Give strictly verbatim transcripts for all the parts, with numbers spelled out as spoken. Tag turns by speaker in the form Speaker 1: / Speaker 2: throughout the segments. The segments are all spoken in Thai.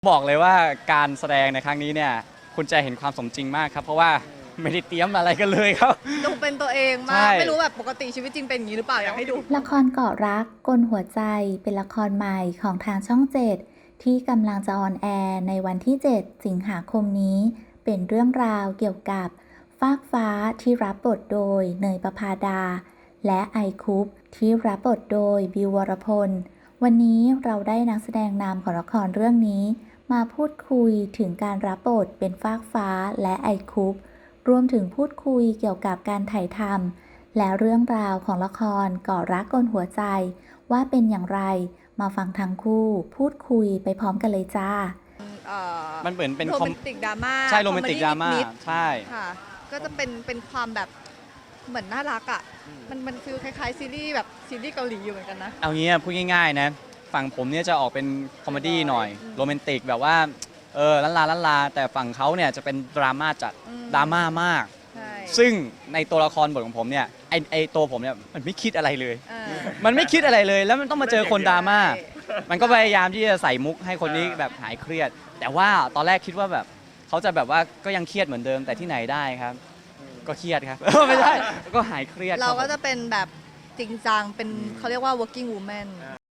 Speaker 1: บอกเลยว่าการแสดงในครั้งนี้เนี่ยคุณจะเห็นความสมจริงมากครับเพราะว่าไม่ได้เตรียมอะไรกันเลยครับ
Speaker 2: ดูเป็นตัวเองมา
Speaker 1: ใช่
Speaker 2: กไม่รู้แบบปกติชีวิตจริงเป็นอย่างนี้หรือเปล่าอยากให้ดู
Speaker 3: ละครเกาะรักกลหัวใจเป็นละครใหม่ของทางช่องเจ็ดที่กำลังจะออนแอร์ในวันที่ เจ็ด สิงหาคมนี้ เป็นเรื่องราวเกี่ยวกับฟากฟ้าที่รับบทโดยเนยประภาดา และไอคุปที่รับบทโดยบิววรพล วันนี้เราได้นักแสดงนำของละครเรื่องนี้ มาพูดคุยถึงการรับบทเป็นฟากฟ้าและไอคุปรวมถึงพูดคุยเกี่ยวกับการถ่ายทำและเรื่องราวของละครเกาะรักกลหัวใจว่าเป็นอย่างไรมาฟังทั้งคู่พูดคุยไปพร้อมกันเลยจ้า
Speaker 2: เอ่อ
Speaker 1: มันเหมือนเป็น
Speaker 2: โร
Speaker 1: คอ
Speaker 2: แม
Speaker 1: ม
Speaker 2: นติกดราม่า
Speaker 1: ใช่โรแมนติกดราม่า
Speaker 2: นิด
Speaker 1: ใช่
Speaker 2: ๆค่ะ ก็จะเป็นเป็นความแบบเหมือนน่ารักอ่ะมันมันฟิลคล้ายๆซีรีส์แบบซีรีส์เกาหลีอยู่เหมือนกันนะ
Speaker 1: เอางี้พูดง่ายๆนะฝั่งผมเนี่ยจะออกเป็นคอมเมดี้หน่อย
Speaker 2: อืม
Speaker 1: โรแมนติกแบบว่าเออลันลาลันลาแต่ฝั่งเขาเนี่ยจะเป็นดราม่าจัด
Speaker 2: อืม
Speaker 1: ดราม่ามาก
Speaker 2: ใช่
Speaker 1: ซึ่งในตัวละครบทของผมเนี่ยไอไอตัวผมเนี่ยมันไม่คิดอะไรเลย
Speaker 2: เออ
Speaker 1: มันไม่คิดอะไรเลย แล้วมันต้องมาเจอคนดราม่า
Speaker 2: ใช่
Speaker 1: มันก็พยายามที่จะใส่มุกให้คนนี้แบบหายเครียด แต่ว่าตอนแรกคิดว่าแบบเขาจะแบบว่าก็ยังเครียดเหมือนเดิมแต่ที่ไหนได้ครับ ก็เครียดครับ ไม่ใช่ก็หายเครียด
Speaker 2: เราก็
Speaker 1: ค
Speaker 2: จะ
Speaker 1: บผม
Speaker 2: เป็นแบบจริงจังเป็น
Speaker 1: อืม
Speaker 2: เขาเรียกว่า working woman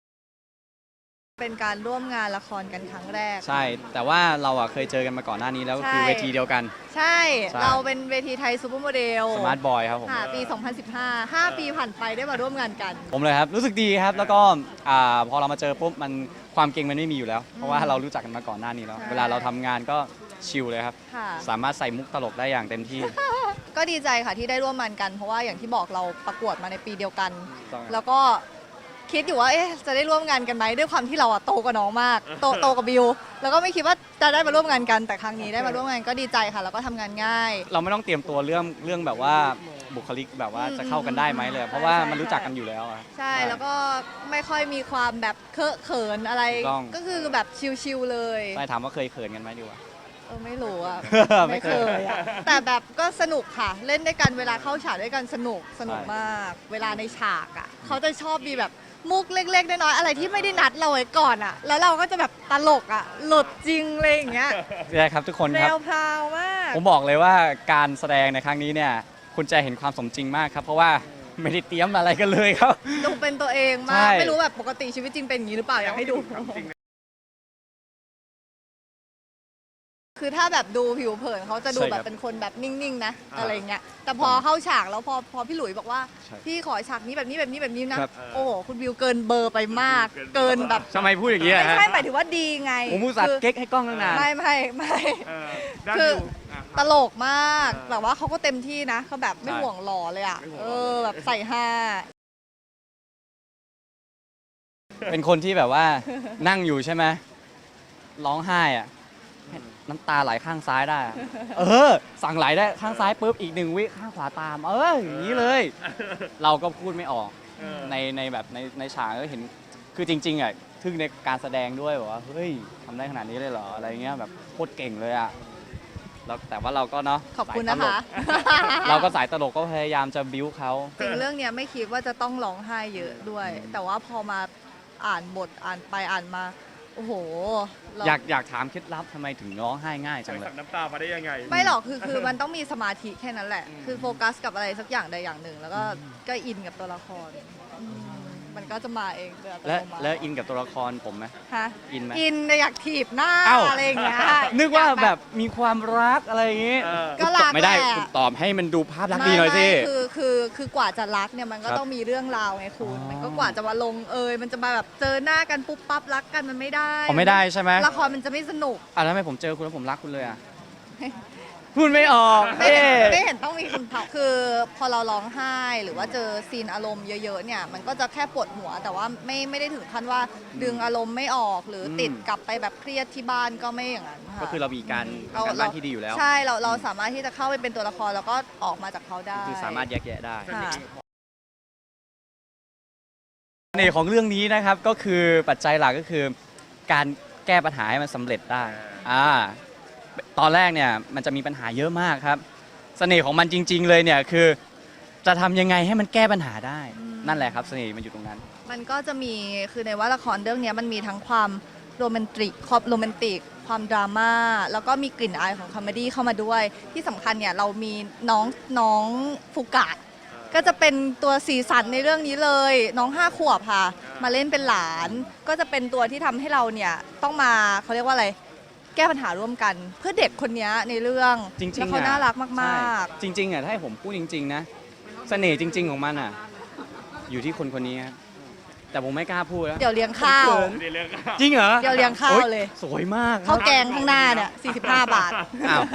Speaker 2: เป็นการร่วมงานละครกันครั้งแรก
Speaker 1: ใช่ แต่ว่าเราอะเคยเจอกันมาก่อนหน้านี้แล้วก็คือ
Speaker 2: ใช่
Speaker 1: เวทีเดียวกัน
Speaker 2: ใช่
Speaker 1: ใช่
Speaker 2: เราเป็นเวทีไทยซูเปอร์โมเดล
Speaker 1: สมาร์ทบอยครับผม
Speaker 2: ค่ะปี สองพันสิบห้า ห้า ปีผ่านไปได้มาร่วมงานกัน
Speaker 1: ผมเลยครับ รู้สึกดีครับ แล้วก็อ่าพอเรามาเจอปุ๊บมันความเก่งมันไม่มีอยู่แล้ว เพราะว่าเรารู้จักกันมาก่อนหน้านี้แล้ว
Speaker 2: ใช่
Speaker 1: เวลาเราทำงานก็ชิลเลยครับ
Speaker 2: ค่ะ
Speaker 1: สามารถใส่มุกตลกได้อย่างเต็มที่
Speaker 2: ก็ดีใจค่ะที่ได้ร่วมงานกัน เพราะว่าอย่างที่บอกเราประกวดมาในปีเดียวกัน
Speaker 1: ต้องครับ
Speaker 2: แล้วก็คิดอยู่ว่าเอ๊ะจะได้ร่วมงานกันไหมด้วยความที่เราอะโตกว่าน้องมาก โตโตกับบิว แล้วก็ไม่คิดว่าจะได้มาร่วมงานกันแต่ครั้งนี้ได้มาร่วมงานก็ดีใจค่ะ แล้วก็ทำงานง่าย
Speaker 1: เราไม่ต้องเตรียมตัวเรื่องเรื่องแบบว่าบุคลิกแบบว่า
Speaker 2: อืม
Speaker 1: จะเข้ากันได้ไหมเลย เพราะว่ามันรู้จักกันอยู่แล้วอะ
Speaker 2: ใช่แล้วก็ไม่ค่อยมีความแบบเคอะเขินอะไร
Speaker 1: ถูกต้อง
Speaker 2: ก็คือแบบชิลๆเลย
Speaker 1: ใช่ถามว่าเคยเขินกันไหมดีกว่า
Speaker 2: เออไม่รู้อะ
Speaker 1: ไม่
Speaker 2: ไม่
Speaker 1: เค
Speaker 2: เค
Speaker 1: ย
Speaker 2: ยอะแต่แบบก็สนุกค่ะ เล่นด้วยกันเวลาเข้าฉากด้วยกันสนุกสนุก
Speaker 1: ใช่
Speaker 2: มาก เวลาในฉากอะเขาจะชอบมีแบบมุกเล็กๆน้อยๆอะไรที่ไม่ได้นัดเราไว้ก่อนอะแล้วเราก็จะแบบตลกอะหลุดจริงเลยอย่างเงี้ย
Speaker 1: ใช่ครับทุกคน
Speaker 2: แน
Speaker 1: ครับ
Speaker 2: วพราวมาก
Speaker 1: ผมบอกเลยว่าการแสดงในครั้งนี้เนี่ยคุณจะเห็นความสมจริงมากครับ เพราะว่าไม่ได้เตรียมอะไรกันเลยครับ
Speaker 2: ดูเป็นตัวเองมา
Speaker 1: ใช่
Speaker 2: กไม่รู้แบบปกติชีวิตจริงเป็นอย่างนี้หรือเปล่าอยากให้ดู คือถ้าแบบดูผิวเผินเขาจะดู
Speaker 1: ใช่ค
Speaker 2: แบ
Speaker 1: รับบ
Speaker 2: เป็นคนแบบนิ่งๆนะ
Speaker 4: อ่า
Speaker 2: อะไรเงี้ยแต่พอเข้าฉากแล้วพอพอพี่หลุยบอกว่า
Speaker 1: ใช่
Speaker 2: พี่ขอฉากนี้แบบนี้แบบนี้แบบนี้นะครับ โอ้โหคุณวิวเกินเบอร์ไปมาก เกินแบบ
Speaker 1: ทำไมพูดอย่างนี้
Speaker 2: ไม่
Speaker 1: อะฮะ
Speaker 2: ใช่หมายถึงว่าดีไง
Speaker 1: ผมมูสัต
Speaker 2: คื
Speaker 1: ว์เก๊กให้กล้องตั้งนาน
Speaker 2: ไม่ไม่ไม่
Speaker 4: เออด้าน
Speaker 2: คือ
Speaker 4: ดูะ
Speaker 2: ตลกมาก
Speaker 4: เออ
Speaker 2: แบบว่าเขาก็เต็มที่นะเขาแบบไม่
Speaker 1: ใช่
Speaker 2: ห่วงหล่อเลยอ่ะ
Speaker 4: ไม่ห่วง
Speaker 2: เอ
Speaker 4: หล่อ
Speaker 2: อแบบใส่ห้า
Speaker 1: เป็นคนที่แบบว่า นั่งอยู่ใช่ไหมร้องไห้อะน้ำตาไหลข้างซ้ายได้อะเออ สั่งไหลได้ข้างซ้ายปุ๊บอีกหนึ่งวิข้างขวาตาม เอออย่างนี้เลย เราก็พูดไม่ออก
Speaker 4: เออ
Speaker 1: ในในแบบในในฉากก็เห็นคือจริงๆอ่ะทึ่งในการแสดงด้วยแบบว่าเฮ้ยทำได้ขนาดนี้เลยเหรออะไรเงี้ยแบบโคตรเก่งเลยอ่ะแล้วแต่ว่าเราก็เนาะ
Speaker 2: ขอบคุณ
Speaker 1: สาย
Speaker 2: นะ
Speaker 1: ตล
Speaker 2: คะ
Speaker 1: ก เราก็สายตลกก็พยายามจะบิ้วเขา
Speaker 2: จริงเรื่องเนี้ยไม่คิดว่าจะต้องร้องไห้เยอะด้วย แต่ว่าพอมาอ่านบทอ่านไปอ่านมา โอ้โหเรา
Speaker 1: อยากอยากถามเคล็ดลับทำไมถึงร้องไห้ง่ายจังเล
Speaker 4: สั่
Speaker 1: ย
Speaker 4: งน้ำตามาได้ยังไง
Speaker 2: ไม่หรอกคือคือมันต้องมีสมาธิแค่นั้นแหละ
Speaker 4: อืม
Speaker 2: คือโฟกัสกับอะไรสักอย่างใดอย่างหนึ่ง แล้วก็ก็อินกับตัวละครอืมมันก็จะมาเองโดยอัต
Speaker 1: และ
Speaker 2: โนมัติ
Speaker 1: แล้วอินกับตัวละครผมไหม
Speaker 2: ฮะ
Speaker 1: อินไหม
Speaker 2: อินแต่อยากถีบหน้า
Speaker 1: เอ้า
Speaker 2: อะไรอย่างเงี้ย
Speaker 1: นึกว่า
Speaker 2: อย
Speaker 1: แบบมีความรักอะไรอย่างงี้
Speaker 4: เออ
Speaker 2: ก็รัก
Speaker 1: ไม่ได้
Speaker 2: แหละ
Speaker 1: คุณตอบให้มันดูภาพลักษณ์ดีหน่อยสิ
Speaker 2: ไม่ไม่คือคือคือกว่าจะรักเนี่ยมันก็
Speaker 1: ครับ
Speaker 2: ต้องมีเรื่องราวไงคุณ
Speaker 1: อ๋อ
Speaker 2: มันก็กว่าจะมาลงเอยมันจะมาแบบเจอหน้ากันปุ๊บปั๊บรักกันมันไม่ได้
Speaker 1: อ๋อไม่ได้ใช่ไหม
Speaker 2: ละครมันจะไม่สนุก
Speaker 1: อ่ะแล้วทำไมผมเจอคุณแล้วผมรักคุณเลยอ่ะ พูดไม่ออก
Speaker 2: ไม่
Speaker 1: เอ๊ะ
Speaker 2: ไม่เห็นต้องมีคำตอบคือพอเราร้องไห้หรือว่าเจอซีนอารมณ์เยอะๆเนี่ยมันก็จะแค่ปวดหัว แต่ว่าไม่ไม่ได้ถึงขั้นว่าดึงอารมณ์ไม่ออกหรืออ
Speaker 1: ม
Speaker 2: ติดกลับไปแบบเครียดที่บ้านก็ไม่อย่างนั้นค่ะ
Speaker 1: ก็คือเรามีการ
Speaker 2: เรา
Speaker 1: การบ้านที่ดีอยู่แล้ว
Speaker 2: ใช่เราเราสามารถที่จะเข้าไปเป็นตัวละครแล้วก็ออกมาจากเขาได้
Speaker 1: คือสามารถแยกแยะได้
Speaker 2: ค่ะ
Speaker 1: เสน่ห์ของเรื่องนี้นะครับก็คือปัจจัยหลักก็คือการแก้ปัญหาให้มันสำเร็จได้อ่าตอนแรกเนี่ยมันจะมีปัญหาเยอะมากครับ เสน่ห์ของมันจริง ๆ เลยเนี่ยคือ จะทำยังไงให้มันแก้ปัญหาได้
Speaker 2: อืม
Speaker 1: นั่นแหละครับเสน่ห์มันอยู่ตรงนั้น
Speaker 2: มันก็จะมีคือในว่าละครเรื่องเนี้ยมันมีทั้งความโรแมนติกความโรแมนติกความดราม่าแล้วก็มีกลิ่นอายของคอมเมดี้เข้ามาด้วย ที่สำคัญเนี่ยเรามีน้องน้องฟูกะก็จะเป็นตัวสีสันในเรื่องนี้เลย น้องห้าขวบค่ะ มาเล่นเป็นหลาน ก็จะเป็นตัวที่ทำให้เราเนี่ยต้องมาเขาเรียกว่าอะไรแก้ปัญหาร่วมกัน เพื่อเด็กคนนี้ในเรื่อง
Speaker 1: จริงๆ
Speaker 2: แล้วเขาน่ารักมาก
Speaker 1: ใช่จริงๆอ่ะถ้าให้ผมพูดจริง ๆ นะ เสน่ห์จริง ๆ ของมันอ่ะ อยู่ที่คนคนนี้ครับแต่ผมไม่กล้าพูดแล้ว
Speaker 2: ๆ เดี๋ยวเลี้ยงข้าว
Speaker 1: เขิน จริงเหรอ
Speaker 2: เดี๋ยวเลี้ยงข้าวเลย
Speaker 1: โอ๊สวยมาก
Speaker 2: ข้าวแกงข้างหน้าเนี่ยสี่สิบห้าบาท
Speaker 1: อ้าว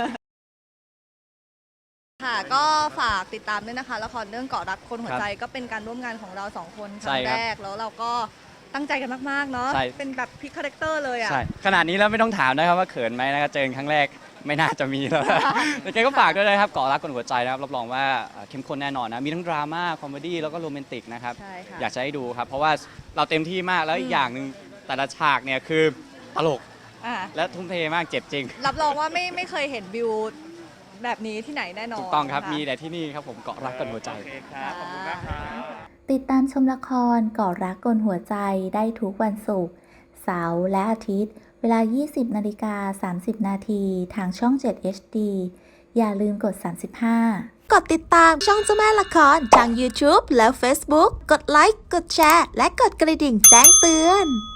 Speaker 2: ค่ะก็ฝากติดตามด้วยนะคะละครเรื่องเกาะรักคนหัวใจก็เป็นการร่วมงานของเราสองคนค
Speaker 1: ใช่
Speaker 2: รั้ง
Speaker 1: ครับ
Speaker 2: แรกแล้วเราก็ตั้งใจกันมากๆเนาะ
Speaker 1: ใช่
Speaker 2: เป็นแบบพลิกคาแรคเตอร์เลยอ่ะ
Speaker 1: ใช่ขนาดนี้แล้วไม่ต้องถามนะครับว่าเขินไหมนะครับเจอกันครั้งแรกไม่น่าจะมีแล้วนะ แต่แกก็ฝากด้วยนะครับเกาะรักคนหัวใจนะครับรับรองว่าเอ่อเข้มข้นแน่นอนนะมีทั้งดราม่าคอมเมดี้แล้วก็โรแมนติกนะครับ
Speaker 2: ใช่ค่ะ
Speaker 1: อยากจะให้ดูครับ เพราะว่าเราเต็มที่มากแล้วอี
Speaker 2: อื
Speaker 1: ก
Speaker 2: ม
Speaker 1: อย่างหนึ่งแต่ละฉากเนี่ยคือตลก
Speaker 2: อ่ะ
Speaker 1: และทุ่มเทมากเจ็บจริง
Speaker 2: รับรองว่าไม่ไม่เคยเห็นวิวแบบนี้ที่ไหนแน่นอน
Speaker 1: ถูกต้องครับ
Speaker 2: ะ
Speaker 1: มีแต่ที่นี่ครับผมเกาะรักคนหัวใจ
Speaker 4: โอเคครับ ขอบคุณมากครับ
Speaker 3: ติดตามชมละครก่อรักกลหัวใจได้ทุกวันศุกร์เสาร์และอาทิตย์ เวลา ยี่สิบนาฬิกาสามสิบนาทีทางช่อง เจ็ด เอช ดี อย่าลืมกด สามสิบห้า
Speaker 5: กดติดตามช่องเจ้าแม่ละครทาง YouTube และ Facebook กดไลค์ กดแชร์ และกดกระดิ่งแจ้งเตือน